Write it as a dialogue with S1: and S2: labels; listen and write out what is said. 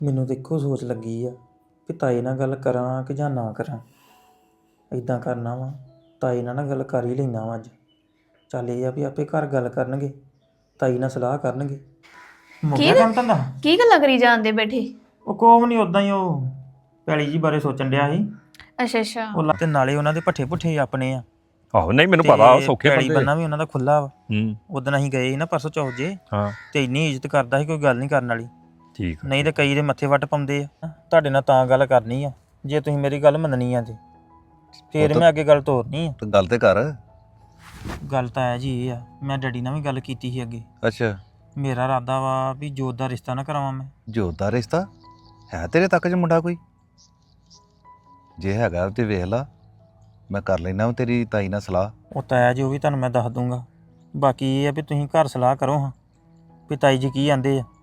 S1: ਮੈਨੂੰ ਤਾਂ ਇੱਕੋ ਸੋਚ ਲੱਗੀ ਆ ਕਿ ਤਾਏ ਨਾਲ ਗੱਲ ਕਰਾਂ ਕਿ ਜਾਂ ਨਾ ਕਰਾਂ। ਇੱਦਾਂ ਕਰਨਾ ਵਾ, ਤਾਏ ਨਾਲ ਨਾ ਗੱਲ ਕਰ ਹੀ ਲੈਂਦਾ ਵਾਂ ਅੱਜ। ਚੱਲ ਇਹ ਆ ਵੀ ਆਪੇ ਘਰ ਗੱਲ ਕਰਨਗੇ, ਤਾਈ ਨਾਲ ਸਲਾਹ ਕਰਨਗੇ। ਮੁੱਕ ਗਿਆ ਕੰਮ ਧੰਦਾ?
S2: ਕੀ ਗੱਲਾਂ ਕਰੀ ਜਾਂਦੇ ਬੈਠੇ?
S1: ਉਹ ਕੋਹ ਨਹੀਂ, ਉਦਾਂ ਹੀ ਉਹ ਪੈਲੀ ਜੀ ਬਾਰੇ ਸੋਚਣ ਡਿਆ ਸੀ।
S2: ਅੱਛਾ ਅੱਛਾ।
S1: ਉਹ ਤੇ ਨਾਲੇ ਉਹਨਾਂ ਦੇ ਪੱਠੇ ਪੁੱਠੇ ਆਪਣੇ ਆ।
S3: ਆਹੋ ਨਹੀਂ ਮੈਨੂੰ ਪਤਾ ਸੌਖੇ
S1: ਪੈਲੀ
S3: ਬੰਦੇ।
S1: ਬੰਨਾ ਵੀ ਉਹਨਾਂ ਦਾ ਖੁੱਲਾ ਵਾ।
S3: ਹੂੰ
S1: ਉਦੋਂ ਅਸੀਂ ਗਏ ਸੀ ਨਾ ਪਰਸੋਂ ਚੌਥ ਜੇ,
S3: ਹਾਂ
S1: ਤੇ ਇੰਨੀ ਇੱਜ਼ਤ ਕਰਦਾ ਸੀ, ਕੋਈ ਗੱਲ ਨਹੀਂ ਕਰਨ ਵਾਲੀ।
S3: ਠੀਕ
S1: ਨਹੀਂ ਤੇ ਕਈ ਦੇ ਮੱਥੇ ਵੱਟ ਪਾਉਂਦੇ ਆ। ਤੁਹਾਡੇ ਨਾਲ ਤਾਂ ਗੱਲ ਕਰਨੀ ਆ ਜੇ ਤੁਸੀਂ ਮੇਰੀ ਗੱਲ ਮੰਨਣੀ ਆ ਤੇ ਫੇਰ ਮੈਂ ਅੱਗੇ ਗੱਲ ਤੋਰਨੀ ਆ।
S4: ਤੇ ਗੱਲ ਤੇ ਕਰ।
S1: ਗੱਲ ਤਾਂ ਹੈ ਜੀ ਇਹ ਆ, ਮੈਂ ਡੈਡੀ ਨਾਲ ਵੀ ਗੱਲ ਕੀਤੀ ਸੀ ਅੱਗੇ।
S4: ਅੱਛਾ,
S1: ਮੇਰਾ ਇਰਾਦਾ ਵਾ ਵੀ ਜੋਤ ਦਾ ਰਿਸ਼ਤਾ ਨਾ ਕਰਾਵਾਂ ਮੈਂ।
S4: ਜੋਤ ਦਾ ਰਿਸ਼ਤਾ ਹੈ ਤੇਰੇ ਤੱਕ 'ਚ ਮੁੰਡਾ ਕੋਈ? ਜੇ ਹੈਗਾ ਤੇ ਵੇਖ ਲਾ, ਮੈਂ ਕਰ ਲੈਣਾ ਤੇਰੀ ਤਾਈ ਨਾਲ ਸਲਾਹ।
S1: ਉਹ ਤਾਂ ਹੈ ਜੀ, ਉਹ ਵੀ ਤੁਹਾਨੂੰ ਮੈਂ ਦੱਸ ਦੂੰਗਾ। ਬਾਕੀ ਇਹ ਆ ਵੀ ਤੁਸੀਂ ਘਰ ਸਲਾਹ ਕਰੋ ਹਾਂ ਵੀ ਤਾਈ ਜੀ ਕੀ ਆਂਦੇ ਆ।